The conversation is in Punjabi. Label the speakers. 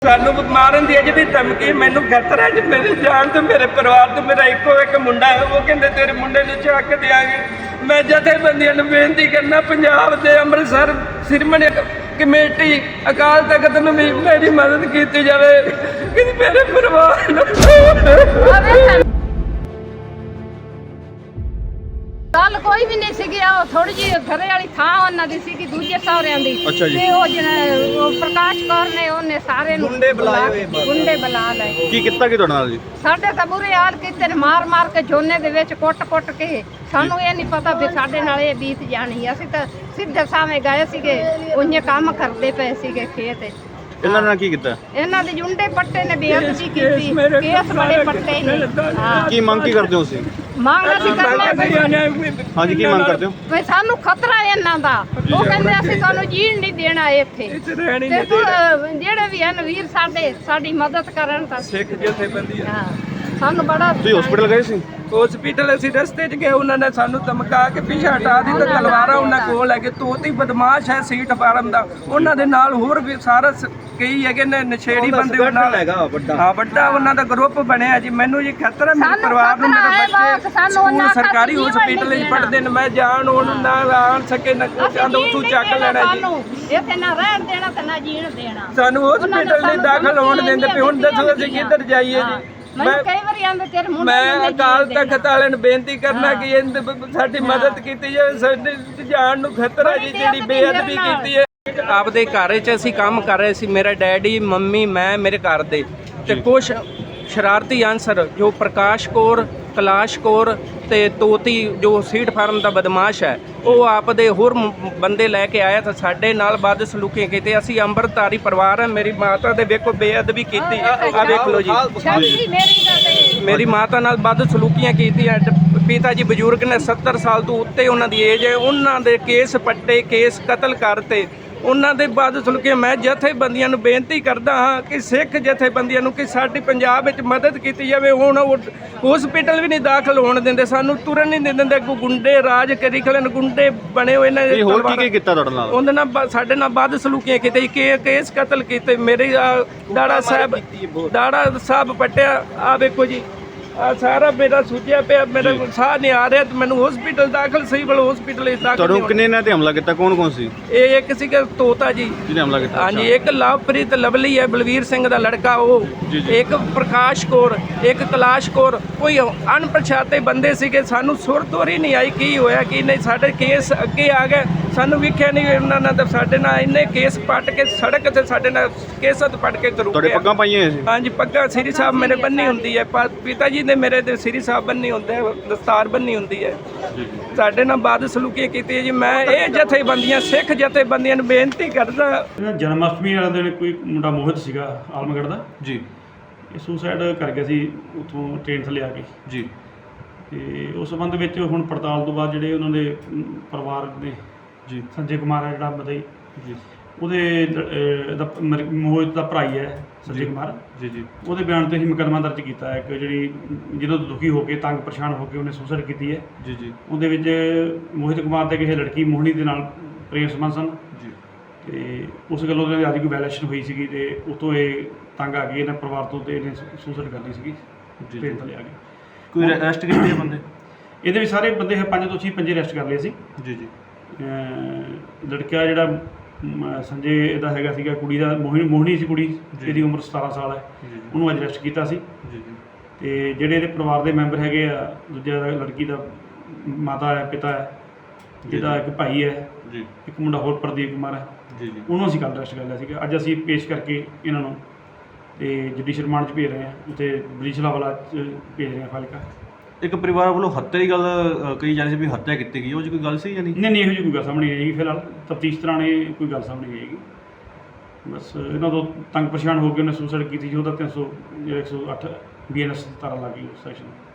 Speaker 1: ਸਾਨੂੰ ਮਾਰਨ ਦੀ ਅਜੇ ਵੀ ਧਮਕੀ, ਮੈਨੂੰ ਖਤਰਾ ਜੀ ਮੇਰੀ ਜਾਨ ਤੇ ਮੇਰੇ ਪਰਿਵਾਰ ਤੇ। ਮੇਰਾ ਇੱਕੋ ਇੱਕ ਮੁੰਡਾ ਹੈ, ਉਹ ਕਹਿੰਦੇ ਤੇਰੇ ਮੁੰਡੇ ਨੂੰ ਚੱਕ ਦਿਆਂਗੇ। ਮੈਂ ਜਥੇਬੰਦੀਆਂ ਨੂੰ ਬੇਨਤੀ ਕਰਨਾ, ਪੰਜਾਬ ਦੇ ਅੰਮ੍ਰਿਤਸਰ ਸਿਰਮਣੀ ਕਮੇਟੀ ਅਕਾਲ ਤਖਤ ਨੂੰ ਵੀ ਮੇਰੀ ਮਦਦ ਕੀਤੀ ਜਾਵੇ ਕਿ ਮੇਰੇ ਪਰਿਵਾਰ ਨੂੰ।
Speaker 2: ਗੱਲ ਕੋਈ ਵੀ ਨਹੀਂ ਸੀਗੀ, ਉਹ ਥੋੜੀ ਜਿਹੀ ਘਰੇ ਵਾਲੀ ਥਾਂ ਉਹਨਾਂ ਦੀ ਸੀਗੀ, ਦੂਜੇ ਸਹੁਰਿਆਂ ਦੀ। ਤੇ ਉਹ ਜਿਹੜਾ ਪ੍ਰਕਾਸ਼ ਕੌਰ ਨੇ ਉਹਨੇ ਸਾਰੇ ਗੁੰਡੇ ਬੁਲਾ ਲਏ।
Speaker 3: ਕੀ ਕੀਤਾ ਕਿ ਤੁਹਾਡੇ ਨਾਲ ਜੀ?
Speaker 2: ਸਾਡੇ ਤਾਂ ਬੁਰੇ ਹਾਲ ਕੀਤੇ ਨੇ, ਮਾਰ ਕੇ ਝੋਨੇ ਦੇ ਵਿੱਚ ਕੁੱਟ ਕੇ। ਸਾਨੂੰ ਇਹ ਨਹੀਂ ਪਤਾ ਵੀ ਸਾਡੇ ਨਾਲ ਇਹ ਬੀਤ ਜਾਣੀ। ਅਸੀਂ ਤਾਂ ਸਿੱਧੇ ਸਾਵੇਂ ਗਏ ਸੀਗੇ, ਉਹਨੇ ਕੰਮ ਕਰਦੇ ਪਏ ਸੀਗੇ ਖੇਤ।
Speaker 3: ਇਹਨਾਂ ਨੇ ਕੀ ਕੀਤਾ?
Speaker 2: ਇਹਨਾਂ ਦੇ ਜੁੰਡੇ ਪੱਟੇ ਨੇ, ਬੇਅਦਬੀ ਕੀਤੀ, ਕੇਸ ਬੜੇ ਪੱਟੇ ਨੇ।
Speaker 3: ਕੀ ਮੰਗ ਕੀ ਕਰਦੇ ਹੋ ਤੁਸੀਂ?
Speaker 2: ਮੰਗ ਅਸੀਂ ਕਰਨੇ
Speaker 3: ਹਾਂਜੀ, ਕੀ ਮੰਗ ਕਰਦੇ ਹੋ?
Speaker 2: ਵੀ ਸਾਨੂੰ ਖਤਰਾ ਹੈ ਇਹਨਾਂ ਦਾ। ਉਹ ਕਹਿੰਦੇ ਅਸੀਂ ਤੁਹਾਨੂੰ ਜੀਣ ਨਹੀਂ ਦੇਣਾ ਇੱਥੇ। ਤੇ ਜਿਹੜੇ ਵੀ ਹਨ ਵੀਰ ਸਾਡੀ ਮਦਦ ਕਰਨ ਤਾਂ
Speaker 1: ਸਿੱਖ ਜਥੇਬੰਦੀ
Speaker 2: ਹਾਂ, ਸਾਨੂੰ ਬੜਾ।
Speaker 3: ਤੁਸੀਂ ਹਸਪੀਟਲ ਗਏ ਸੀ?
Speaker 1: ਹਸਪੀਟਲ ਅਸੀਂ ਰਸਤੇ 'ਚ ਗਏ, ਉਹਨਾਂ ਨੇ ਸਾਨੂੰ ਧਮਕਾ ਕੇ ਪਿੱਛੇ ਹਟਾ ਦਿੱਤਾ। ਤਲਵਾਰਾਂ ਉਹਨਾਂ ਕੋਲ ਹੈਗੇ, ਤੋਤੀ ਬਦਮਾਸ਼ ਹੈ ਸੀਟ ਫਾਰਮ ਦਾ। ਉਹਨਾਂ ਦੇ ਨਾਲ ਹੋਰ ਵੀ ਸਾਰਾ ਕਈ ਹੈਗੇ ਨੇ ਨਸ਼ੇੜੀ ਬੰਦੇ। ਉਹਨਾਂ ਨਾਲ ਵੱਡਾ ਉਹਨਾਂ ਦਾ ਗਰੁੱਪ ਬਣਿਆ ਜੀ। ਮੈਨੂੰ ਜੀ ਖਤਰਾ ਮੇਰੇ ਪਰਿਵਾਰ ਨੂੰ, ਮੇਰੇ ਬੱਚੇ ਸਕੂਲ ਸਰਕਾਰੀ ਹਸਪੀਟਲ 'ਚ ਪੜ੍ਹਦੇ ਨੇ। ਮੈਂ ਜਾਣ ਉਹਨੂੰ ਨਾ ਆਣ ਸਕੇ ਨਾ ਕੁਛ ਆਂਦਾ, ਉੱਥੋਂ ਚੱਕ ਲੈਣਾ ਜੀ।
Speaker 2: ਇੱਥੇ ਨਾ ਰਹਿਣ ਦੇਣਾ ਤੇ ਨਾ ਜੀਣ ਦੇਣਾ।
Speaker 1: ਸਾਨੂੰ ਹਸਪੀਟਲ ਨਹੀਂ ਦਾਖਲ ਹੋਣ ਦਿੰਦੇ ਪਏ। ਹੁਣ ਦੱਸੋ ਅਸੀਂ ਕਿੱਧਰ ਜਾਈਏ ਜੀ? ਮੈਂ ਅਕਾਲ ਤਖਤ ਵਾਲਿਆਂ ਨੂੰ ਬੇਨਤੀ ਕਰਨਾ ਕਿ ਸਾਡੀ ਮਦਦ ਕੀਤੀ ਜਾਵੇ। ਸਾਡੀ ਜਾਨ ਨੂੰ ਖਤਰਾ ਜੀ, ਜਿਹੜੀ ਬੇਅਦਬੀ ਕੀਤੀ ਹੈ। ਆਪਦੇ ਘਰ 'ਚ ਅਸੀਂ ਕੰਮ ਕਰ ਰਹੇ ਸੀ, ਮੇਰਾ ਡੈਡੀ, ਮੰਮੀ, ਮੈਂ, ਮੇਰੇ ਘਰ ਦੇ। ਤੇ ਕੁਛ ਸ਼ਰਾਰਤੀ ਅਨਸਰ ਜੋ ਪ੍ਰਕਾਸ਼ ਕੌਰ, ਕਲਾਸ਼ ਕੌਰ ਤੇ ਤੋਤੀ ਜੋ ਸੀਟ ਫਾਰਮ ਦਾ ਬਦਮਾਸ਼ ਹੈ, ਉਹ ਆਪਦੇ ਹੋਰ ਬੰਦੇ ਲੈ ਕੇ ਆਇਆ ਤਾਂ ਸਾਡੇ ਨਾਲ ਵੱਧ ਸਲੂਕੀ ਕੀਤੀ। ਅਸੀਂ ਅੰਮ੍ਰਿਤਧਾਰੀ ਪਰਿਵਾਰ ਹੈ। ਮੇਰੀ ਮਾਤਾ ਦੇ ਵੇਖੋ ਬੇਅਦਬੀ ਕੀਤੀ, ਆ ਵੇਖ ਲਓ ਜੀ। ਮੇਰੀ ਮਾਤਾ ਨਾਲ ਵੱਧ ਸਲੂਕੀਆਂ ਕੀਤੀਆਂ। ਪਿਤਾ ਜੀ ਬਜ਼ੁਰਗ ਨੇ, 70 ਸਾਲ ਤੋਂ ਉੱਤੇ ਉਹਨਾਂ ਦੀ ਏਜ ਹੈ। ਉਹਨਾਂ ਦੇ ਕੇਸ ਪੱਟੇ, ਕੇਸ ਕਤਲ ਕਰਤੇ। ਉਹਨਾਂ ਦੇ ਵੱਧ ਸਲੂਕੀਆਂ। ਮੈਂ ਜਥੇਬੰਦੀਆਂ ਨੂੰ ਬੇਨਤੀ ਕਰਦਾ ਹਾਂ ਕਿ ਸਿੱਖ ਜਥੇਬੰਦੀਆਂ ਨੂੰ ਕਿ ਸਾਡੀ ਪੰਜਾਬ ਵਿੱਚ ਮਦਦ ਕੀਤੀ ਜਾਵੇ। ਹੁਣ ਹਸਪੀਟਲ ਵੀ ਨਹੀਂ ਦਾਖਲ ਹੋਣ ਦਿੰਦੇ, ਸਾਨੂੰ ਤੁਰਨ ਨਹੀਂ ਦਿੰਦੇ। ਗੁੰਡੇ ਰਾਜ ਕਰੀ ਖਲੇ, ਗੁੰਡੇ ਬਣੇ ਹੋਏ ਨੇ।
Speaker 3: ਹੋਰ ਕੀ ਕੀਤਾ ਤੁਹਾਡੇ ਨਾਲ?
Speaker 1: ਉਹਦੇ ਨਾਲ ਸਾਡੇ ਨਾਲ ਵੱਧ ਸਲੂਕੀਆਂ ਕੀਤੇ, ਕੇਸ ਕਤਲ ਕੀਤੇ। ਮੇਰੇ ਦਾੜਾ ਸਾਹਿਬ ਪੱਟਿਆ। ਆ ਵੇਖੋ ਜੀ, ਆ ਸਾਰਾ ਮੇਰਾ ਸੁੱਜਿਆ ਪਿਆ, ਮੇਰਾ ਸਾਹ ਨਹੀਂ ਆ ਰਿਹਾ। ਤੇ ਮੈਨੂੰ ਹਸਪੀਟਲ ਦਾਖਲ, ਸਹੀ ਬਲ ਹਸਪੀਟਲ ਇਸ ਦਾਖਲ।
Speaker 3: ਤੁਹਾਨੂੰ ਕਿੰਨੇ ਨੇ ਤੇ ਹਮਲਾ ਕੀਤਾ? ਕੌਣ ਸੀ?
Speaker 1: ਇਹ ਇੱਕ ਸੀਗਾ ਤੋਤਾ ਜੀ
Speaker 3: ਜਿਹਨੇ ਹਮਲਾ ਕੀਤਾ।
Speaker 1: ਹਾਂਜੀ, ਇੱਕ ਲਵਪ੍ਰੀਤ ਲਵਲੀ ਹੈ, ਬਲਵੀਰ ਸਿੰਘ ਦਾ ਲੜਕਾ ਉਹ। ਇੱਕ ਪ੍ਰਕਾਸ਼ ਕੌਰ, ਇੱਕ ਕਲਾਸ਼ ਕੌਰ। ਕੋਈ ਅਣਪਛਾਤੇ ਬੰਦੇ ਸੀਗੇ। ਸਾਨੂੰ ਸੁਰਤੋਰੀ ਨਹੀਂ ਆਈ ਕੀ ਹੋਇਆ ਕੀ ਨਹੀਂ। ਸਾਡੇ ਕੇਸ ਅੱਗੇ ਆ ਗਏ, ਸਾਨੂੰ ਵੇਖਿਆ ਨਹੀਂ ਉਹਨਾਂ ਨੇ। ਤਾਂ ਸਾਡੇ ਨਾਲ ਇੰਨੇ ਕੇਸ ਪੱਟ ਕੇ ਸੜਕ ਤੇ ਸਾਡੇ ਨਾਲ ਕੇਸਤ ਪੱਟ ਕੇ ਤੁਰ
Speaker 3: ਤੁਹਾਡੇ ਪੱਗਾਂ ਪਾਈਆਂ ਸੀ?
Speaker 1: ਹਾਂਜੀ, ਪੱਗਾਂ ਸ੍ਰੀ ਸਾਹਿਬ ਮੇਰੇ ਬੰਨੀ ਹੁੰਦੀ ਹੈ। ਪਿਤਾ ਜੀ ਨੇ ਮੇਰੇ ਤੇ ਸ੍ਰੀ ਸਾਹਿਬ ਬੰਨੀ ਹੁੰਦੇ, ਦਸਤਾਰ ਬੰਨੀ ਹੁੰਦੀ ਹੈ। ਸਾਡੇ ਨਾਲ ਬਾਦ ਸਲੂਕੀ ਕੀਤੀ ਹੈ ਜੀ। ਮੈਂ ਇਹ ਜਥੇਬੰਦੀਆਂ, ਸਿੱਖ ਜਥੇਬੰਦੀਆਂ ਨੂੰ ਬੇਨਤੀ ਕਰਦਾ।
Speaker 4: ਜਨਮ ਅਸ਼ਟਮੀ ਵਾਲੇ ਦਿਨ ਕੋਈ ਮੁੰਡਾ ਮੋਹਿਤ ਸੀਗਾ ਆਲਮਗੜ੍ਹ ਦਾ
Speaker 3: ਜੀ,
Speaker 4: ਇਹ ਸੁਸਾਈਡ ਕਰ ਗਿਆ ਸੀ ਉੱਥੋਂ ਟ੍ਰੇਨ ਥੱਲੇ ਆ ਕੇ
Speaker 3: ਜੀ। ਤੇ
Speaker 4: ਉਸ ਸੰਬੰਧ ਵਿੱਚ ਹੁਣ ਪੜਤਾਲ ਤੋਂ ਬਾਅਦ ਜਿਹੜੇ ਉਹਨਾਂ ਦੇ ਪਰਿਵਾਰ ਦੇ
Speaker 3: ਜੀ,
Speaker 4: ਸੰਜੇ ਕੁਮਾਰ ਹੈ ਜਿਹੜਾ ਮਦਈ
Speaker 3: ਜੀ,
Speaker 4: ਉਹਦੇ ਮੋਹਿਤ ਦਾ ਭਰਾ ਹੀ ਹੈ ਸੰਜੇ ਕੁਮਾਰ
Speaker 3: ਜੀ, ਜੀ।
Speaker 4: ਉਹਦੇ ਬਿਆਨ ਤੇ ਹੀ ਮੁਕੱਦਮਾ ਦਰਜ ਕੀਤਾ ਹੈ ਕਿ ਜਿਹਦੋਂ ਦੁਖੀ ਹੋ ਕੇ, ਤੰਗ ਪਰੇਸ਼ਾਨ ਹੋ ਕੇ ਉਹਨੇ ਸੁਸਾਈਡ ਕੀਤੀ ਹੈ।
Speaker 3: ਜੀ, ਜੀ।
Speaker 4: ਉਹਦੇ ਵਿੱਚ ਮੋਹਿਤ ਕੁਮਾਰ ਦੇ ਕਿਸੇ ਲੜਕੀ ਮੋਹਣੀ ਦੇ ਨਾਲ ਪ੍ਰੇਮ ਸੰਬੰਧ ਸਨ
Speaker 3: ਜੀ।
Speaker 4: ਤੇ ਉਸ ਗੱਲੋਂ ਉਹਦੇ ਅੱਜ ਕੋਈ ਵਾਇਲੇਸ਼ਨ ਹੋਈ ਸੀਗੀ ਤੇ ਉਤੋਂ ਇਹ ਤੰਗ ਆ ਗਈ ਇਹਨਾਂ ਪਰਿਵਾਰ ਤੋਂ ਤੇ ਇਹਨੇ ਸੁਸਾਈਡ ਕਰ ਲਈ ਸੀਗੀ। ਟ੍ਰੇਨ ਥੱਲੇ ਆ ਗਏ।
Speaker 3: ਕੋਈ ਅਰੈਸਟ ਕੀਤੇ ਬੰਦੇ?
Speaker 4: ਇਹਦੇ ਵੀ ਸਾਰੇ ਬੰਦੇ 5 ਤੋਂ 5 ਅਰੈਸਟ ਕਰ ਲਏ ਸੀ।
Speaker 3: ਜੀ, ਜੀ।
Speaker 4: ਲੜਕਾ ਜਿਹੜਾ ਸੰਜੇ ਇਹਦਾ ਹੈਗਾ ਸੀਗਾ, ਕੁੜੀ ਦਾ ਮੋਹਣੀ ਸੀ ਕੁੜੀ, ਇਹਦੀ ਉਮਰ 17 ਸਾਲ ਹੈ। ਉਹਨੂੰ ਅੱਜ ਅਰੈਸਟ ਕੀਤਾ ਸੀ।
Speaker 3: ਜੀ, ਜੀ।
Speaker 4: ਤੇ ਜਿਹੜੇ ਇਹਦੇ ਪਰਿਵਾਰ ਦੇ ਮੈਂਬਰ ਹੈਗੇ ਆ, ਦੂਜਾ ਲੜਕੀ ਦਾ ਮਾਤਾ ਹੈ, ਪਿਤਾ ਹੈ, ਜਿਹਦਾ ਇੱਕ ਭਾਈ ਹੈ,
Speaker 3: ਜੀ।
Speaker 4: ਇੱਕ ਮੁੰਡਾ ਹੋਰ ਪ੍ਰਦੀਪ ਕੁਮਾਰ ਹੈ।
Speaker 3: ਜੀ, ਜੀ।
Speaker 4: ਉਹਨੂੰ ਅਸੀਂ ਕੱਲ੍ਹ ਅਰੈਸਟ ਕਰ ਲਿਆ ਸੀਗਾ। ਅੱਜ ਅਸੀਂ ਪੇਸ਼ ਕਰਕੇ ਇਹਨਾਂ ਨੂੰ ਤੇ ਜੁਡੀਸ਼ੀਅਲ ਰਿਮਾਂਡ 'ਚ ਭੇਜ ਰਹੇ ਹਾਂ, ਉੱਥੇ ਬਰੀਸ਼ਲਾਵਾਲਾ 'ਚ ਭੇਜ ਰਹੇ ਹਾਂ ਫਾਜ਼ਿਲਕਾ।
Speaker 3: ਇੱਕ ਪਰਿਵਾਰ ਵੱਲੋਂ ਹੱਤਿਆ ਦੀ ਗੱਲ ਕਹੀ ਜਾ ਰਹੀ ਸੀ ਵੀ ਹੱਤਿਆ ਕੀਤੀ ਗਈ, ਉਹ 'ਚ ਕੋਈ ਗੱਲ ਸੀ ਜਾਂ ਨਹੀਂ?
Speaker 4: ਨਹੀਂ, ਇਹੋ ਜਿਹੀ ਕੋਈ ਗੱਲ ਸਾਹਮਣੇ ਨਹੀਂ ਆਏਗੀ। ਫਿਲਹਾਲ ਤਫਤੀਸ਼ ਦੌਰਾਨ ਇਹ ਕੋਈ ਗੱਲ ਸਾਹਮਣੇ ਨਹੀਂ ਆਏਗੀ। ਬਸ ਇਹਨਾਂ ਤੋਂ ਤੰਗ ਪਰੇਸ਼ਾਨ ਹੋ ਕੇ ਉਹਨੇ ਸੁਸਾਈਡ ਕੀਤੀ ਸੀ। ਉਹਦਾ 108 BNS ਧਾਰਾ ਲੱਗ ਗਈ ਉਸ ਸੈਕਸ਼ਨ।